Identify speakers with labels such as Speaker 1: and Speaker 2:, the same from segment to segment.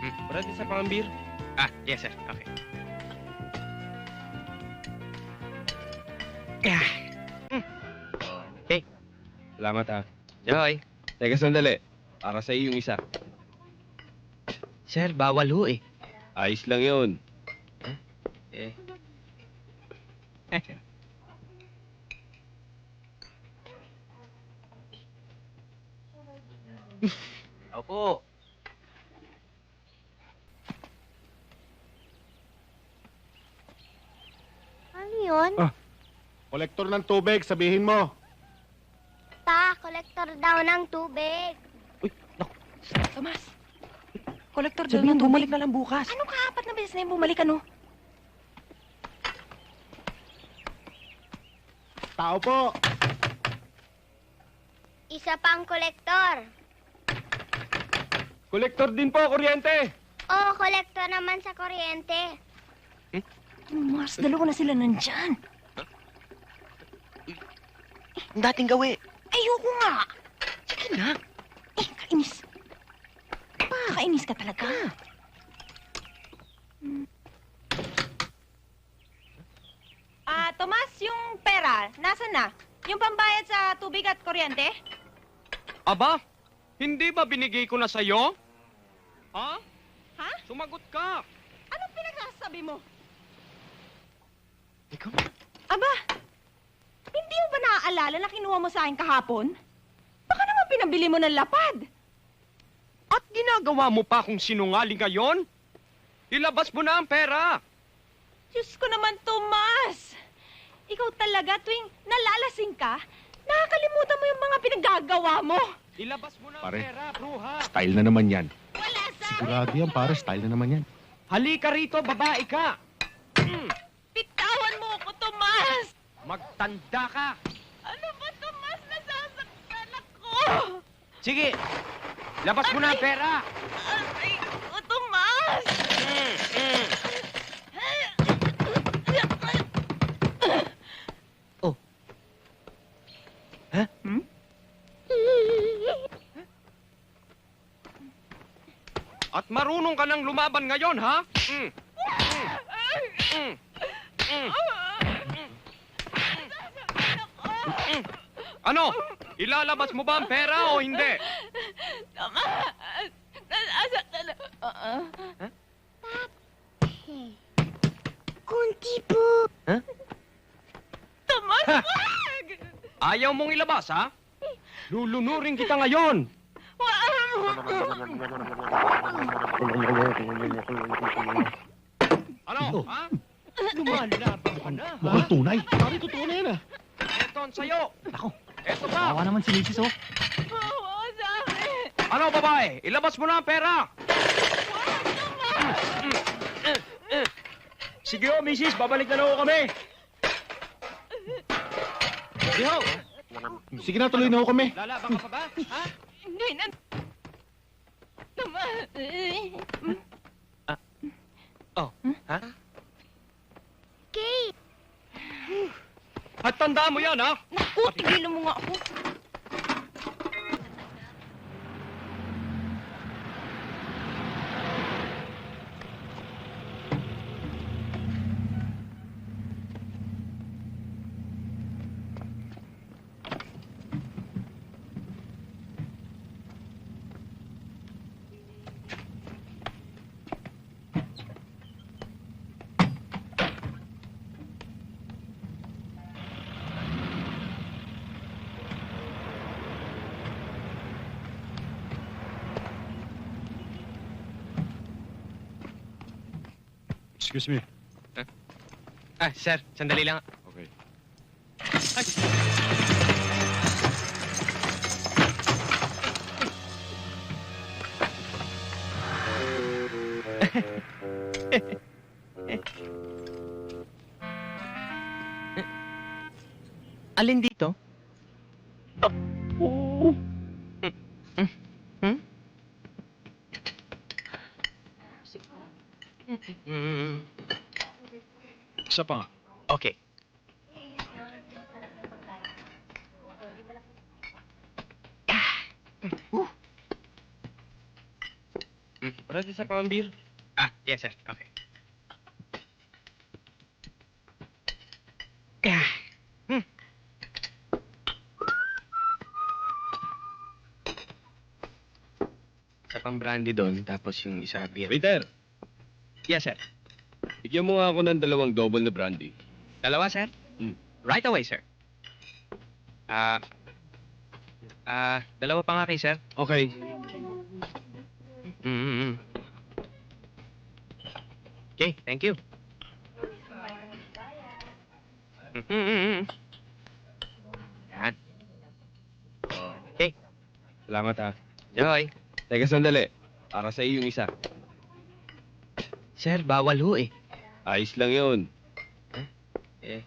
Speaker 1: Brad, isa pang beer.
Speaker 2: Ah, yes, sir. Okay. Okay.
Speaker 1: Salamat, ha.
Speaker 2: Joy.
Speaker 1: Teka, sandali. Para sa iyo yung isa.
Speaker 2: Sir, bawal ho eh.
Speaker 1: Ayos lang yun.
Speaker 2: Eh. Opo.
Speaker 3: Ano yun?
Speaker 4: Ah. Kolektor ng tubig, sabihin mo.
Speaker 3: Kolektor daw ng tubig.
Speaker 5: Tomas, kolektor daw
Speaker 2: Sabihin,
Speaker 5: ng tubig.
Speaker 2: bumalik na lang bukas.
Speaker 5: Ano ka? Apat na beses na yung bumalik, ano?
Speaker 4: Tao po.
Speaker 3: Isa pang kolektor.
Speaker 1: Kolektor din po, kuryente.
Speaker 3: Oo, kolektor naman sa kuryente.
Speaker 5: Mas, dalawa na sila nandyan.
Speaker 2: Ang dating gawi.
Speaker 5: Ayoko nga.
Speaker 2: Sige na.
Speaker 5: Kainis. Kainis ka talaga. Tomas, yung pera, nasan na? Yung pambayad sa tubig at kuryente?
Speaker 2: Aba, hindi ba binigay ko na sa'yo? Ha?
Speaker 5: Ha?
Speaker 2: Sumagot ka.
Speaker 5: Anong pinagsasabi mo?
Speaker 2: Ikaw?
Speaker 5: Aba, hindi mo ba naaalala na kinuha mo sa akin kahapon? Baka naman pinabili mo ng lapad.
Speaker 2: At ginagawa mo pa kung sinungaling ngayon? Ilabas mo na ang pera.
Speaker 5: Diyos ko naman, Tomas! Ikaw talaga, tuwing nalalasing ka, nakakalimutan mo yung mga pinaggagawa mo.
Speaker 2: Ilabas mo na ang
Speaker 4: Pare.
Speaker 2: pera, bruha.
Speaker 4: Style na naman yan.
Speaker 5: Wala sa...
Speaker 4: Sigurado yan, pare. Style na naman yan.
Speaker 2: Halika rito, babae ka.
Speaker 5: Bitawan mo ako, Tomas!
Speaker 2: Magtanda ka.
Speaker 5: Ano ba, Tomas? Nasasaktan ako!
Speaker 2: Sige, labas mo na ang pera.
Speaker 5: Aray ko, Tomas!
Speaker 2: Oh. Ha? At marunong ka nang lumaban ngayon, ha? Ano? Ilalabas mo ba ang pera o hindi?
Speaker 5: Tomas! Nasasaktan ako.
Speaker 3: Kunti po.
Speaker 5: Tomas, wag!
Speaker 2: Ayaw mong ilabas, ha? Lulunurin kita ngayon. Ano, ha? Lumalaban ka na, ha?
Speaker 4: Mukhang tunay. Pare, totoo na yan, ah.
Speaker 2: Eto ang sayo.
Speaker 6: Ako,
Speaker 2: Eto pa.
Speaker 6: kawawa naman si Mrs. Oh.
Speaker 5: Bawa sa akin!
Speaker 2: Ano, babae? Ilabas mo na ang pera.
Speaker 1: Sige ho, misis. Babalik na lang ho kami.
Speaker 2: Sige ho.
Speaker 4: Sige na, tuloy na ho kami.
Speaker 2: Lalaban ka pa ba? Ha?
Speaker 5: Hindi na... Tomas!
Speaker 2: Oh, ha?
Speaker 3: Kate.
Speaker 2: At tandaan mo yan, ha?
Speaker 5: Naku, tigilan mo nga ako.
Speaker 4: Excuse me.
Speaker 2: Ah, sir, sandali lang.
Speaker 4: Okay.
Speaker 2: Alin dito?
Speaker 4: Isa pa nga.
Speaker 2: Okay.
Speaker 1: Brad, Para sa pambir.
Speaker 2: Ah, yes, sir. Okay. Isa pang brandy doon, tapos yung isa beer.
Speaker 1: Waiter,
Speaker 2: Yes, sir.
Speaker 1: bigyan mo nga ako ng 2 double na brandy.
Speaker 2: Dalawa, sir?
Speaker 1: Hmm.
Speaker 2: Right away, sir. Dalawa pa nga kayo, sir.
Speaker 1: Okay.
Speaker 2: Mm-hmm. Okay, thank you. Mm-hmm. Yan. Okay,
Speaker 1: Salamat ha.
Speaker 2: Joy.
Speaker 1: Teka sandali. Para sa iyo yung isa.
Speaker 2: Sir, bawal ho eh.
Speaker 1: Ayos lang yun.
Speaker 2: Eh.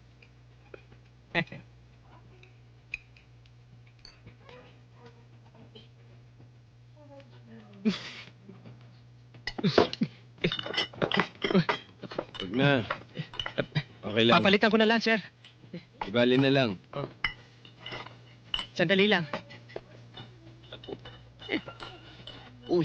Speaker 1: Huwag na. Okay lang.
Speaker 2: Papalitan ko na lang, sir.
Speaker 1: Ibali na lang.
Speaker 2: Sandali lang. Uy.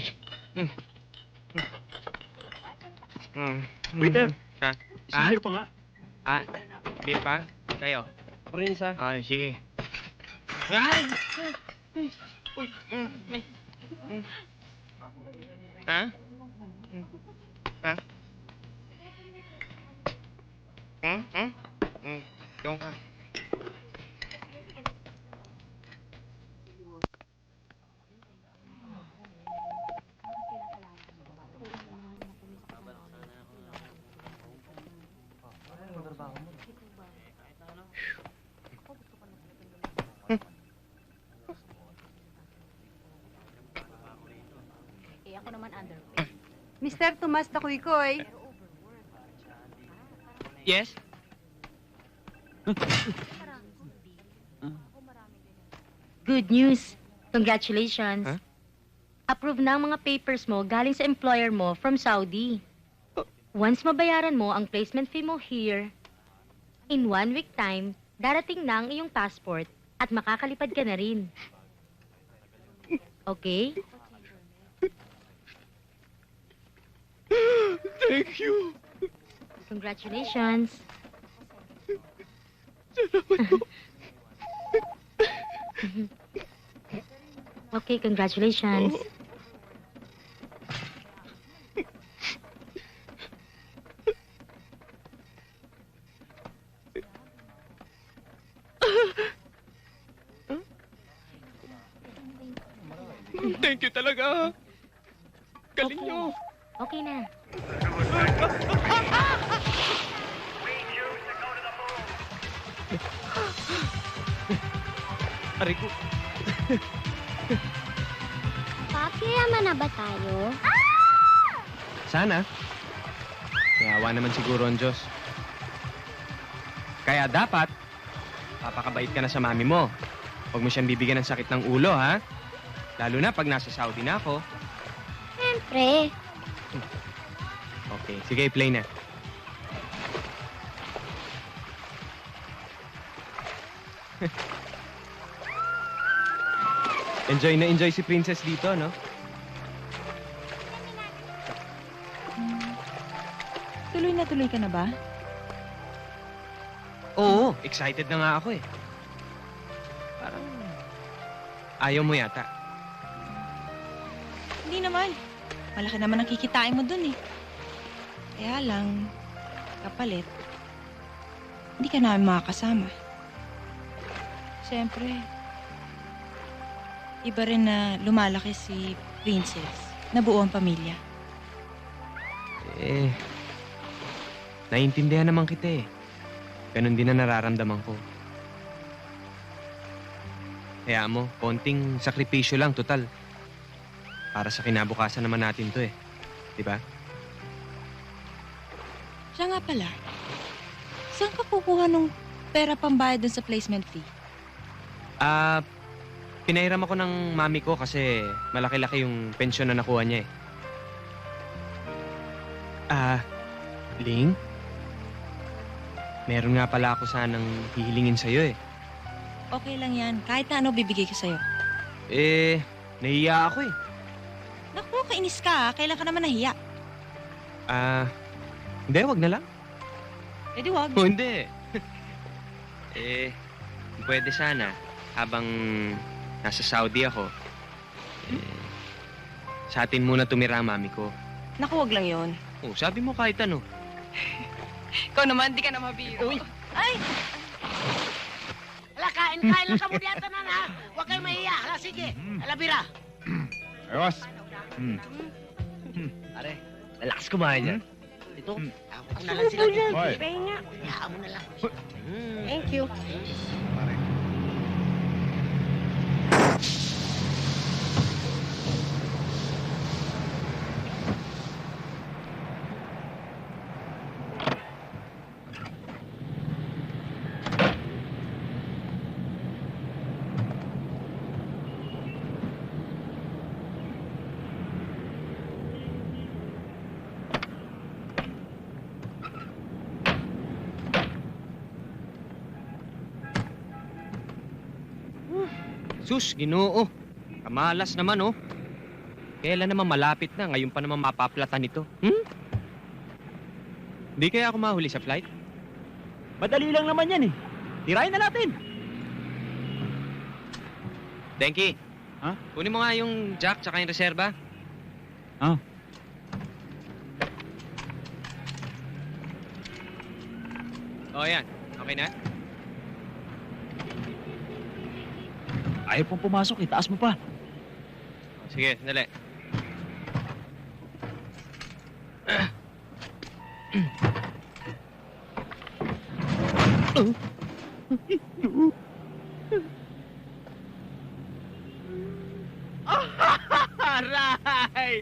Speaker 1: Waiter.
Speaker 2: Ha?
Speaker 4: Isahir pa nga.
Speaker 2: Beer pa? Kayo?
Speaker 1: Prinsa.
Speaker 2: Ay, sige. Uy. Ha? Ha? Yung ka.
Speaker 6: Mr. Tomas Takuykoy.
Speaker 2: Yes?
Speaker 7: Good news. Congratulations.
Speaker 2: Huh?
Speaker 7: Approve na ang mga papers mo galing sa employer mo from Saudi. Once mabayaran mo ang placement fee mo here, in 1 week time, darating na ang iyong passport at makakalipad ka na rin. Okay?
Speaker 1: Thank you.
Speaker 7: Congratulations. Okay, congratulations.
Speaker 2: Thank you talaga. Galing nyo.
Speaker 7: Okay na.
Speaker 2: Aray ko.
Speaker 3: Papi, yaman na ba tayo?
Speaker 2: Sana. Kayawa naman siguro ang Diyos. Kaya dapat, papakabait ka na sa mami mo. Huwag mo siyang bibigyan ng sakit ng ulo, ha? Lalo na pag nasa Saudi na ako.
Speaker 3: Siyempre.
Speaker 2: Okay, sige, play na. Enjoy si Princess dito, no?
Speaker 5: Tuloy na tuloy ka na ba?
Speaker 2: Oo, excited na nga ako eh. Parang ayaw mo yata.
Speaker 5: Hindi naman. Malaki naman ang kikitain mo dun eh. Kaya lang, kapalit, hindi ka namin makakasama. Siyempre, iba rin na lumalaki si Princess na buo ang pamilya.
Speaker 2: Eh, naiintindihan naman kita eh. Ganon din na nararamdaman ko. Kaya mo, konting sakripisyo lang, total. Para sa kinabukasan naman natin to eh. Di ba?
Speaker 5: Siya nga pala, saan ka kukuha nung pera pambayad dun sa placement fee?
Speaker 2: Pinahiram ako ng mami ko kasi malaki-laki yung pensyon na nakuha niya eh. Ling? Meron nga pala ako sanang hihilingin sa'yo eh.
Speaker 5: Okay lang yan. Kahit na ano bibigay ko sa'yo.
Speaker 2: Eh, nahiya ako eh.
Speaker 5: Naku, kainis ka. Kailan ka naman nahiya?
Speaker 2: Hindi, wag na lang.
Speaker 5: Eh di wag.
Speaker 2: Oh, hindi. Pwede sana. Habang nasa Saudi ako, sa atin muna tumira ang mami ko.
Speaker 5: Naku, wag lang yon.
Speaker 2: Oh, sabi mo kahit ano.
Speaker 5: Ikaw naman, di ka na mabiro. Uy! Ay!
Speaker 6: Hala, kain lang ka muna yata na, ha? Huwag kayong mahiya. Hala, sige. Hala, bira.
Speaker 4: Ayos.
Speaker 6: Pare, relax kumain yan. Ito, ako na lang sila.
Speaker 4: Hoy.
Speaker 6: Pahinga. Hayaan mo na lang.
Speaker 5: Thank you.
Speaker 2: Sus, Ginoo. Kamalas naman, oh. Kailan naman malapit na, ngayon pa naman mapaplatan ito. Hindi kaya ako mahuli sa flight?
Speaker 8: Madali lang naman yan eh. Tirahin na natin.
Speaker 2: Denki.
Speaker 8: Ha?
Speaker 2: Kunin mo nga yung jack tsaka yung reserva.
Speaker 8: Ah.
Speaker 2: O, yan. Okay na?
Speaker 8: Ayaw pong pumasok, itaas mo pa.
Speaker 2: O, sige, dali. Aray!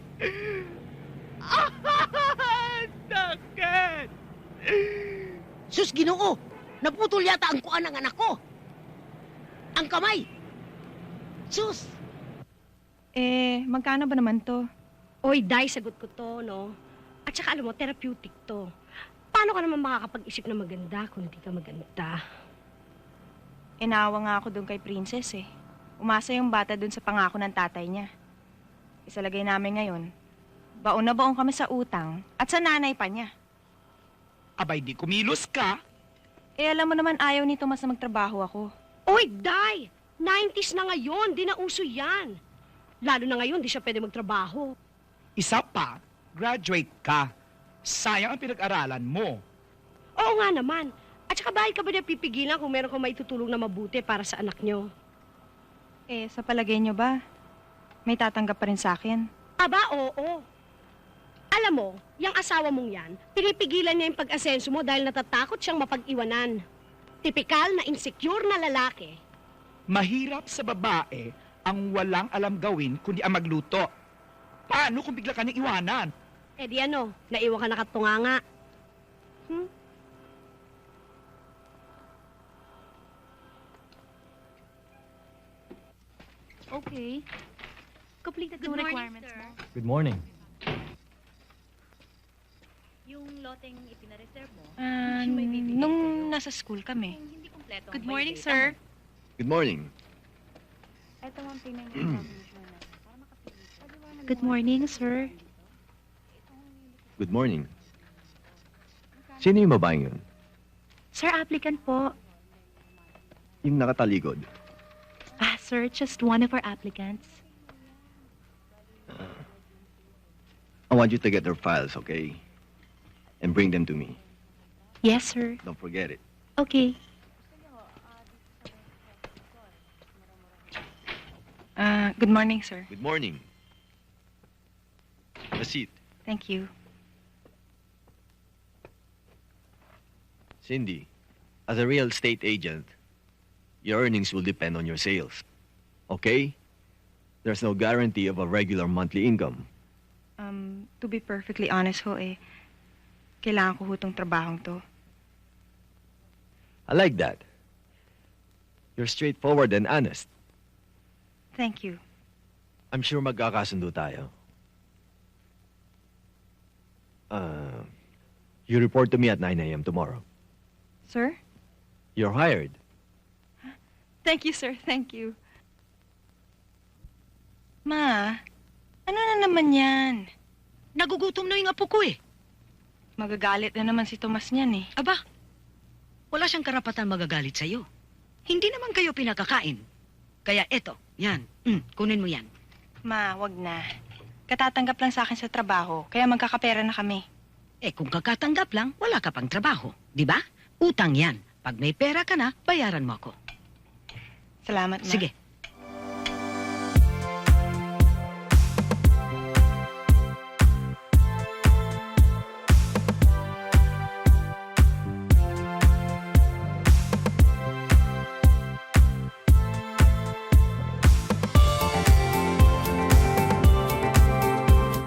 Speaker 2: Sakit!
Speaker 6: Sus, Ginoo! Naputol yata ang kuan ng anak ko. Ang kamay. Sus!
Speaker 5: Magkano ba naman to?
Speaker 9: Oy, Day, sagot ko to, no? At saka alam mo, therapeutic to. Paano ka naman makakapag-isip na maganda kung hindi ka maganda?
Speaker 5: Inawa nga ako doon kay Princess eh. Umasa yung bata doon sa pangako ng tatay niya. Isalagay namin ngayon. Baon na baon kami sa utang at sa nanay pa niya.
Speaker 8: Abay, di kumilos ka.
Speaker 5: Alam mo naman ayaw ni Tomas na magtrabaho ako.
Speaker 9: Oy, Day! 90s na ngayon, di na uso yan. Lalo na ngayon, di siya pwede magtrabaho.
Speaker 8: Isa pa, graduate ka. Sayang ang pinag-aralan mo.
Speaker 9: Oo nga naman. At saka bakit ka ba niya pipigilan kung meron kang maitutulong na mabuti para sa anak niyo?
Speaker 5: Sa palagay niyo ba, may tatanggap pa rin sa akin?
Speaker 9: Aba, oo. Alam mo, yung asawa mong yan, pinipigilan niya yung pag-asenso mo dahil natatakot siyang mapag-iwanan. Tipikal na insecure na lalaki.
Speaker 8: Mahirap sa babae ang walang alam gawin kundi ang magluto. Paano kung bigla ka niyang iwanan?
Speaker 9: Eh di ano, naiwan ka nakatunganga.
Speaker 7: Okay. Completed
Speaker 9: Good
Speaker 7: yung
Speaker 9: morning,
Speaker 7: requirements
Speaker 9: sir.
Speaker 7: mo.
Speaker 4: Good morning.
Speaker 7: Yung loteng ipinareserve mo,
Speaker 5: Nung nasa school kami.
Speaker 7: kung hindi kompleto
Speaker 5: Good
Speaker 7: ang
Speaker 5: morning,
Speaker 7: may
Speaker 5: sir.
Speaker 1: Good morning.
Speaker 5: Ito ang payment
Speaker 7: Good morning, sir.
Speaker 1: Good morning. Sino yung babaeng yun?
Speaker 7: Sir, applicant po.
Speaker 1: Yung nakataligod.
Speaker 7: Sir, just one of our applicants.
Speaker 1: I want you to get their files, okay? And bring them to me.
Speaker 7: Yes, sir.
Speaker 1: Don't forget it.
Speaker 7: Okay.
Speaker 5: Good morning, sir.
Speaker 1: Good morning. Have a seat.
Speaker 5: Thank you.
Speaker 1: Cindy, as a real estate agent, your earnings will depend on your sales. Okay? There's no guarantee of a regular monthly income.
Speaker 5: To be perfectly honest ho kailangan ko ho tong trabahong to.
Speaker 1: I like that. You're straightforward and honest.
Speaker 5: Thank you.
Speaker 1: I'm sure magkakasundo tayo. You report to me at 9 a.m. tomorrow.
Speaker 5: Sir?
Speaker 1: You're hired.
Speaker 5: Thank you, sir. Thank you. Ma, Ano na naman yan?
Speaker 6: Nagugutom na yung apo ko eh.
Speaker 5: Magagalit na naman si Tomas niyan eh.
Speaker 6: Aba, wala siyang karapatan magagalit sa'yo. Hindi naman kayo pinakakain. Kaya eto, yan. Kunin mo yan.
Speaker 5: Ma, wag na. Katatanggap lang sa akin sa trabaho, kaya magkakapera na kami.
Speaker 6: Eh kung kakatanggap lang, wala ka pang trabaho. Di ba? Utang yan. Pag may pera ka na, bayaran mo ako.
Speaker 5: Salamat, Ma.
Speaker 6: Sige,